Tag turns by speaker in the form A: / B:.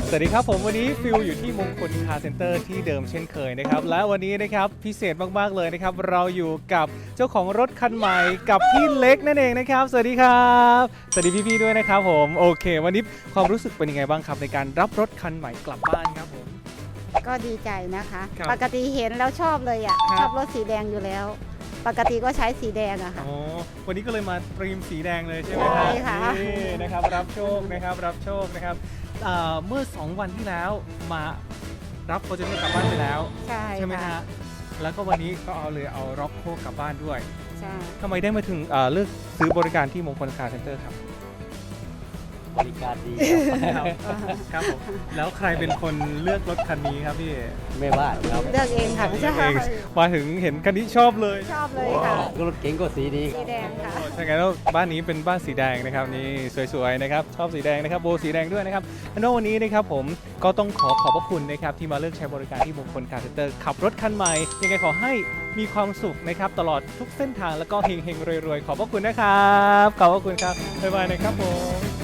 A: สวัสดีครับผมวันนี้ฟิลอยู่ที่มงคลคาร์เซ็นเตอร์ที่เดิมเช่นเคยนะครับและวันนี้นะครับพิเศษมากๆเลยนะครับเราอยู่กับเจ้าของรถคันใหม่กับพี่เล็กนั่นเองนะครับสวัสดีครับสวัสดีพี่ๆด้วยนะครับผมโอเค วันนี้ความรู้สึกเป็นยังไงบ้างครับในการรับรถคันใหม่กลับบ้านครับผม
B: ก็ดีใจนะคะ
A: ครับ
B: ปกติเห็นแล้วชอบเลยอ่ะ
A: ครับ
B: ชอบรถสีแดงอยู่แล้ว ปกติก็ใช้สีแดงอะค่ะ
A: อ๋อวันนี้ก็เลยมาตรีมสีแดงเลยใช่ไหมครับ
B: ใช่ค่ะ
A: นี่นะครับรับโชคนะครับรับโชคนะครับเมื่อ 2 วันที่แล้วมารับโปรเจกต์กลับบ้านไปแล้ว
B: ใช่
A: ไหม
B: ค่ะ
A: ฮะแล้วก็วันนี้ก็เอาร็อกโคกลับบ้านด้วย
B: ใช่
A: ทำไมได้มาถึงเลือกซื้อบริการที่มงคลคาร์เซ็นเตอร์ครับ
C: บริการดีครับ
A: ครับผมแล้วใครเป็นคนเลือกรถคันนี้ครับพี่
C: ไม่ว่าครับ
B: เลือกเองค่ะใช่
A: เองมาถึงเห็นคันนี้ชอบเลย
B: ชอบเลยค่ะ
C: ก็รถเก๋งก็สีดีค
B: สี
C: รับ
B: แดงค่ะ
A: โอ้ถ้างั้นแล้วบ้านนี้เป็นบ้านสีแดงนะครับนี่สวยๆนะครับชอบสีแดงนะครับโบสีแดงด้วยนะครับแล้ววันนี้นะครับผมก็ต้องขอบพระคุณนะครับที่มาเลือกใช้บริการที่มงคลคาร์เซ็นเตอร์ขับรถคันใหม่ยังไงขอให้มีความสุขนะครับตลอดทุกเส้นทางแล้วก็เฮงๆรวยๆขอบพระคุณนะครับขอบพระคุณครับบ๊ายบายนะครับผม